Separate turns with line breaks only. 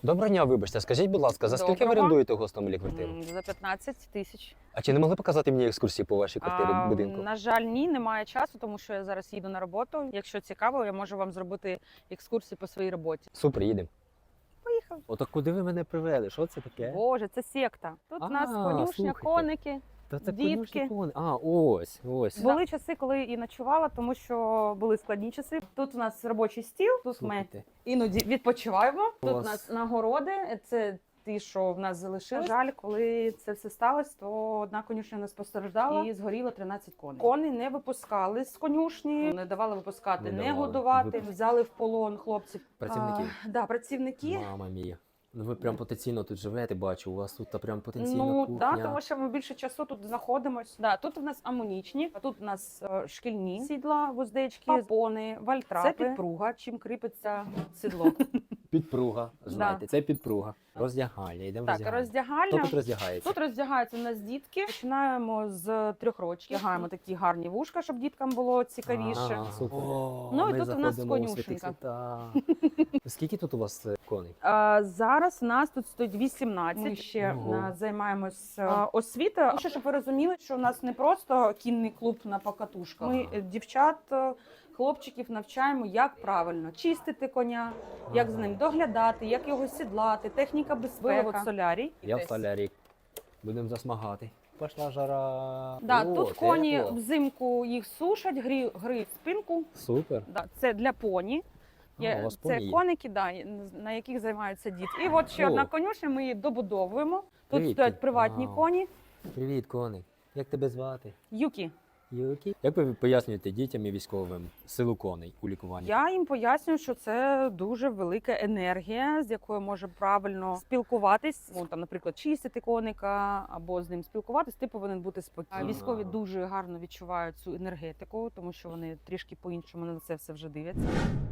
Доброго дня, вибачте, скажіть, будь ласка, за скільки ви
Доброго.
орендуєте у Гостомелі квартиру?
За 15 тисяч.
А чи не могли показати мені екскурсії по вашій квартирі будинку?
На жаль, ні, немає часу, тому що я зараз їду на роботу. Якщо цікаво, я можу вам зробити екскурсію по своїй роботі.
Супер, їдемо.
Поїхали.
Ото куди ви мене привели? Що це таке?
Боже, це секта. Тут у нас конюшня,
слухайте.
коники.
Та це
дітки.
конюшні кони. А, ось.
Були часи, коли і ночувала, тому що були складні часи. Тут у нас робочий стіл, тут ми
Слухайте.
іноді відпочиваємо. Тут у
Клас.
нас нагороди. Це ті, що в нас залишилось. На жаль, коли це все сталося, то одна конюшня не постраждала і згоріло 13 коней. Коней не випускали з конюшні, не давали випускати,
Не
не
давали.
годувати. Взяли в полон хлопців.
Працівників?
Да, працівники.
Мама мія. Ну ви прям потенційно тут живете, бачу. У вас тут та прям потенційно
Ну
кухня.
так, тому що ми більше часу тут знаходимося. Да, тут у нас амунічні, а тут у нас шкільні сідла, вуздечки, попони, вальтрапи. Це підпруга, чим кріпиться сідло.
Підпруга, знаєте, це підпруга. Роздягальня, йдемо
Так,
роздягальня.
роздягальня.
Хто тут роздягається?
Тут роздягаються у нас дітки. Починаємо з 3 років. Вдягаємо такі гарні вушка, щоб діткам було цікавіше.
Супер.
Ну, і
ми
тут у нас
заходимо у святий
конюшенька.
свята. Скільки тут у вас коней?
Зараз у нас тут стоїть 18. Ми ще
Ого.
займаємось освітою. Ще, щоб ви розуміли, що у нас не просто кінний клуб на покатушках. Ми дівчат, хлопчиків навчаємо, як правильно чистити коня, як з ним доглядати, як його сідлати, техніка безпеки. От солярій.
Я в солярі. Будемо засмагати. Пішла жара.
Да,
О,
тут коні
тепло.
взимку їх сушать, гриють спинку.
Супер.
Да, це для поні.
У вас
Це
поні є?
коники, да, на яких займаються діти. І от ще
О.
одна конюшня, ми її добудовуємо. Тут
Привіт.
стоять приватні
Вау.
коні.
Привіт, коник. Як тебе звати?
Юкі.
Юкі. Як ви пояснюєте дітям і військовим силу коней у лікуванні?
Я їм пояснюю, що це дуже велика енергія, з якою може правильно спілкуватись. Там, наприклад, чистити коника або з ним спілкуватись, ти повинен бути спокійним. Військові дуже гарно відчувають цю енергетику, тому що вони трішки по-іншому на це все вже дивляться.